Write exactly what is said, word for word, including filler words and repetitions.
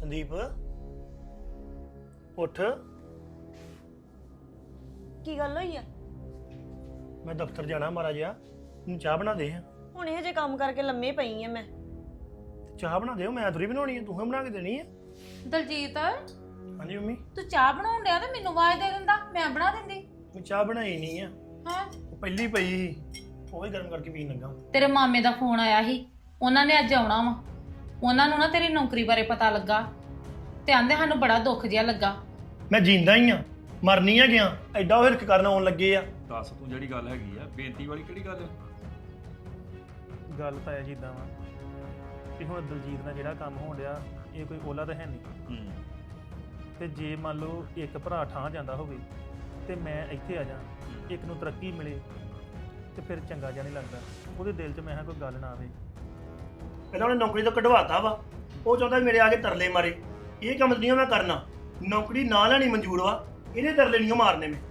ਸੰਦੀਪ ਉੱਠ। ਕੀ ਗੱਲ ਹੋਈ ਆ? ਮੈਂ ਦਫ਼ਤਰ ਜਾਣਾ ਮਾਰਾ ਜਿਹਾ, ਮੈਨੂੰ ਚਾਹ ਬਣਾ ਦੇ। ਹੁਣ ਇਹ ਜੇ ਕੰਮ ਕਰਕੇ ਲੰਮੇ ਪਈ ਆ ਮੈਂ। ਚਾਹ ਬਣਾ ਦਿਓ, ਮੈਂ ਥੋੜੀ ਬਣਾਉਣੀ ਹੈ, ਤੂੰ ਹੀ ਬਣਾ ਕੇ ਦੇਣੀ ਹੈ। ਦਲਜੀਤ ਹਾਂਜੀ ਮੰਮੀ, ਤੂੰ ਚਾਹ ਬਣਾਉਣ ਡਿਆ ਤੇ ਮੈਨੂੰ ਆਵਾਜ਼ ਦੇ ਦਿੰਦਾ, ਮੈਂ ਬਣਾ ਦਿੰਦੀ। ਮੈਂ ਚਾਹ ਬਣਾਈ ਨਹੀਂ ਆ, ਹਾਂ ਉਹ ਪਹਿਲੀ ਪਈ ਸੀ, ਉਹ ਹੀ ਗਰਮ ਕਰਕੇ ਪੀਣ ਲੱਗਾ। ਤੇਰੇ ਮਾਮੇ ਦਾ ਫੋਨ ਆਇਆ ਸੀ, ਉਹਨਾਂ ਨੇ ਅੱਜ ਆਉਣਾ ਵਾ। ਉਹਨਾਂ ਨੂੰ ਨਾ ਤੇਰੀ ਨੌਕਰੀ ਬਾਰੇ ਪਤਾ ਲੱਗਾ ਤੇ ਆਂਦੇ ਸਾਨੂੰ ਬੜਾ ਦੁੱਖ ਜਿਹਾ ਲੱਗਾ। ਮੈਂ ਜਿੰਦਾ ਹੀ ਆ, ਮਰਨੀ ਆ ਗਿਆ, ਐਡਾ ਉਹ ਹਿਰਕ ਕਰਨ ਆਉਣ ਲੱਗੇ ਆ। ਦੱਸ ਤੂੰ ਜਿਹੜੀ ਗੱਲ ਹੈਗੀ ਆ, ਬੇਨਤੀ ਵਾਲੀ ਕਿਹੜੀ ਗੱਲ ਹੈ? ਗੱਲ ਤਾਂ ਇਹ ਜਿੱਦਾਂ ਵਾ ਕਿ ਹੁਣ ਦਲਜੀਤ ਨਾਲ ਜਿਹੜਾ ਕੰਮ ਹੋਣ ਡਿਆ, ਇਹ ਕੋਈ ਓਲਾ ਤਾਂ ਹੈ ਨਹੀਂ। ਹੂੰ ਤੇ ਜੇ ਮੰਨ ਲਓ ਇੱਕ ਭਰਾ ਠਾਂ ਜਾਂਦਾ ਹੋਵੇ ਤੇ ਮੈਂ ਇੱਥੇ ਆ ਜਾ, ਇੱਕ ਨੂੰ ਤਰੱਕੀ ਮਿਲੇ ਤੇ ਫਿਰ ਚੰਗਾ ਜਿਹਾ ਨਹੀਂ ਲੱਗਦਾ। ਉਹਦੇ ਦਿਲ 'ਚ ਮੈਂ ਕਿਹਾ ਕੋਈ ਗੱਲ ਨਾ ਆਵੇ। ਪਹਿਲਾਂ ਉਹਨੇ ਨੌਕਰੀ ਤੋਂ ਕਢਵਾਤਾ ਵਾ, ਉਹ ਚਾਹੁੰਦਾ ਮੇਰੇ ਆ ਕੇ ਤਰਲੇ ਮਾਰੇ। ਇਹ ਕੰਮ ਨਹੀਂ ਮੈਂ ਕਰਨਾ, ਨੌਕਰੀ ਨਾ ਲੈਣੀ ਮਨਜ਼ੂਰ ਵਾ, ਇਹਨੇ ਤਰਲੇ ਨਹੀਂ ਮਾਰਨੇ ਮੈਂ।